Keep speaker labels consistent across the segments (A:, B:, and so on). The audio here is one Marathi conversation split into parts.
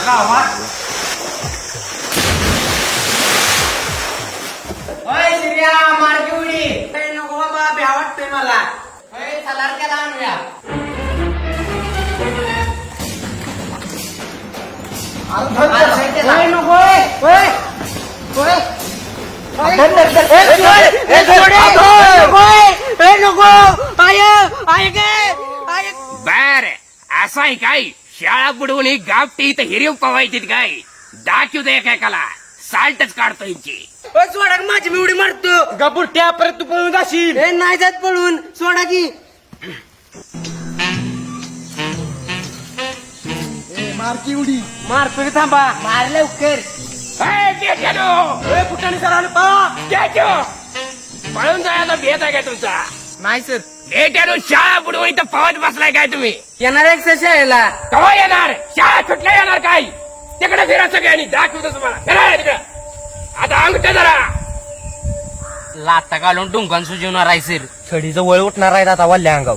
A: गावात. अय श्रिया मार्गी उडी नको बाबा भ्या वाटतोय मला. अय सलार त्याला आणूया.
B: बर असं आहे काय शाळा बुडवून ही गावठी इथं हिरीव पवायची काय दाखवू दे एकेकाला साल्टच काढतो यांची.
A: सोडा माझी मी उडी मारतो.
C: गपुरट्या परत तू पळून जाशील.
A: नाही जात पळून सोडा की.
C: मारकी उडी
A: मारतो की थांबा. मार लवकर.
C: फुटाने सर आलं पा.
B: पळून जायला भेट आहे काय तुमचा?
A: नाही सर.
B: बेट्यानो शाळा बुडवून इथं पवत बसलाय काय तुम्ही?
A: येणार एक शाळेला.
B: कवा येणार? शाळा सुटल्या येणार काय? तिकडे फिरा सगळ्यांनी दाखवतो तुम्हाला. फिरा तिकडे. आता अंगठ जरा
A: लाता घालून डुंगान सुजवणार आहे सर. छडीचं वळ उठणार आहे आता वल्ल्या अंगाव.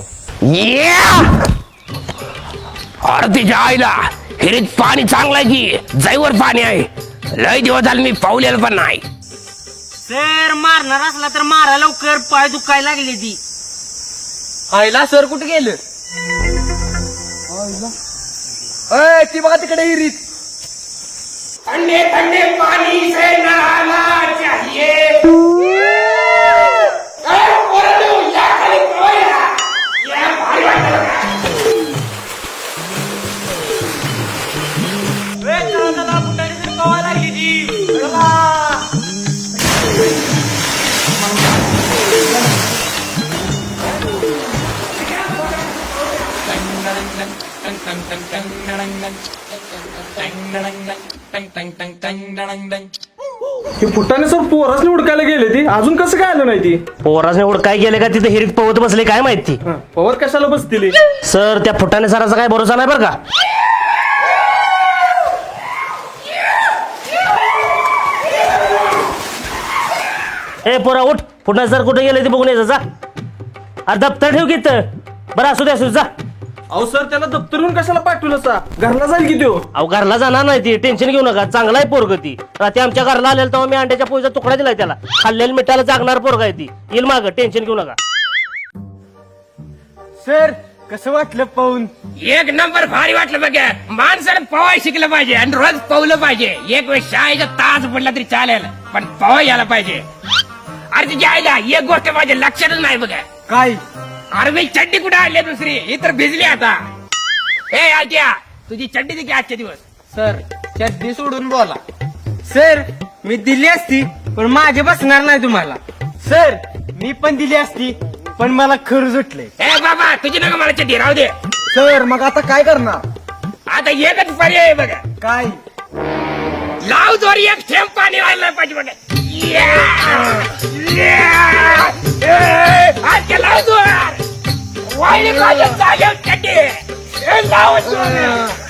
B: आरतीच्या आईला हिरीत पाणी चांगलं आहे की जाईवर पाणी आहे. लय दिवस झाले मी पावलेलं पण नाही.
A: सर मारणार असला तर मारा लवकर. पाय दुखायला लागले ती.
C: आईला सर कुठे गेलं? ती बघा तिकडे हिरीत.
B: ठंडे ठंडे पानी से नहाना चाहिए. या खाली पोया. या भारी वाटतं.
C: हे फुटाने सर पोरासने उडकायला गेले ती अजून कसं काय आलं नाही ती?
D: पोराने एवढं काय गेले का तिथे हिरीत पवत बसले काय माहिती.
C: पवर कशाला बसतील?
D: सर त्या फुटाने सराचा काय भरोसा नाही बरं का. ए पोरा उठ. फुटाने सर कुठे गेले ते बघून यायचं जा. अरे दप्तर ठेव की बरं असू दे जा.
C: अहो सर त्याला दप्तरून कशाला पाठवलं सा? घरला जाईल की तो.
D: अहो घरला जाणार नाही ती. टेन्शन घेऊ नका. चांगला आहे पोरग ती. रात्री आमच्या घरला आलेला तेव्हा मी अंड्याच्या पोळीचा तुकडा दिलाय त्याला. खाल्लेल्या मिठाला जागणार पोरग आहे ती. येईल माग. टेन्शन घेऊ नका.
C: सर कसं वाटलं पाहून?
B: एक नंबर भारी वाटलं बघा. माणसानं पवाय शिकलं पाहिजे आणि रोज पवलं पाहिजे. एक वेळ शाळेचा तास पडला तरी चालेल पण पवाय यायला पाहिजे. अरे तिच्या आईला एक गोष्ट माझ्या लक्षातच नाही बघा.
C: काय?
B: अरे मी चड्डी कुठे आणली दुसरी? ही तर भिजली आता. हे आज्या तुझी चड्डी देखील आजचे दिवस.
A: सर चड्डी सोडून बोला. सर मी दिली असती पण माझे बसणार नाही तुम्हाला.
C: सर मी पण दिली असती पण मला खरं सुटले.
B: हे बाबा तुझी नका मला चड्डी राहू दे.
C: सर मग आता काय करणार?
B: आता एकच पर्याय आहे बघा.
C: काय?
B: लाव जोर एक थेंब पाणी राहिलं पाहिजे बघा. आजच्या लाव जोर वाईट जागेवर चड्डी. लाव जोर.